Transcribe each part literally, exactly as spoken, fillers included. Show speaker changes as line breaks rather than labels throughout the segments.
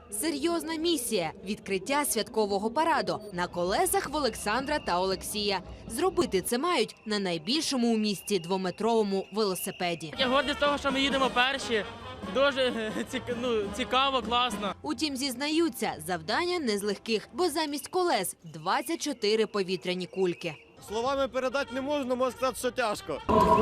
Серйозна місія – відкриття святкового параду на колесах в Олександра та Олексія. Зробити це мають на найбільшому у місті двометровому велосипеді.
Я гордий з того, що ми їдемо перші. Дуже ну, цікаво, класно.
Утім, зізнаються, завдання не з легких, бо замість колес – двадцять чотири повітряні кульки.
Словами передати не можна, можна сказати, що тяжко.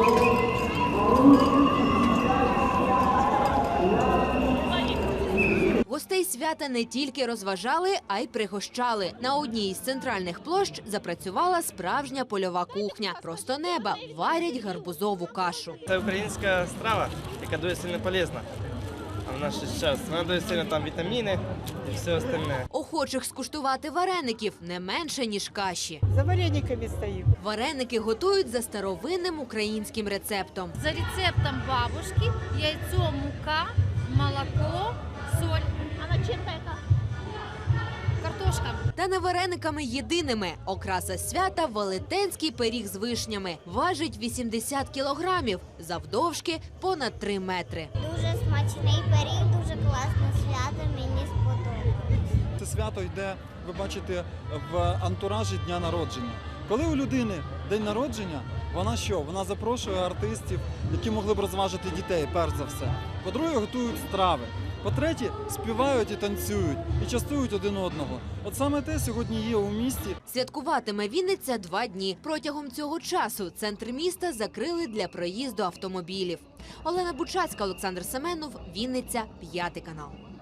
Гостей свята не тільки розважали, а й пригощали. На одній із центральних площ запрацювала справжня польова кухня. Просто неба варять гарбузову кашу.
Це українська страва, яка дуже сильно полезна. А в наш час вона дуже сильно там вітаміни і все остальне.
Охочих скуштувати вареників не менше, ніж каші.
За варениками стою.
Вареники готують за старовинним українським рецептом.
За рецептом бабушки яйцо, мука, молоко, соль. А начинка яка? Картошка.
Та не варениками єдиними. Окраса свята – велетенський пиріг з вишнями. Важить вісімдесят кілограмів, завдовжки понад три метри.
Дуже смачний пиріг, дуже класне свято, мені сподобалось.
Це свято йде, ви бачите, в антуражі дня народження. Коли у людини день народження, вона що? Вона запрошує артистів, які могли б розважити дітей, перш за все. По-друге, готують страви. По-третє, співають і танцюють, і частують один одного. От саме те сьогодні є у місті.
Святкуватиме Вінниця два дні. Протягом цього часу центр міста закрили для проїзду автомобілів. Олена Бучацька, Олександр Семенов, Вінниця, п'ятий канал.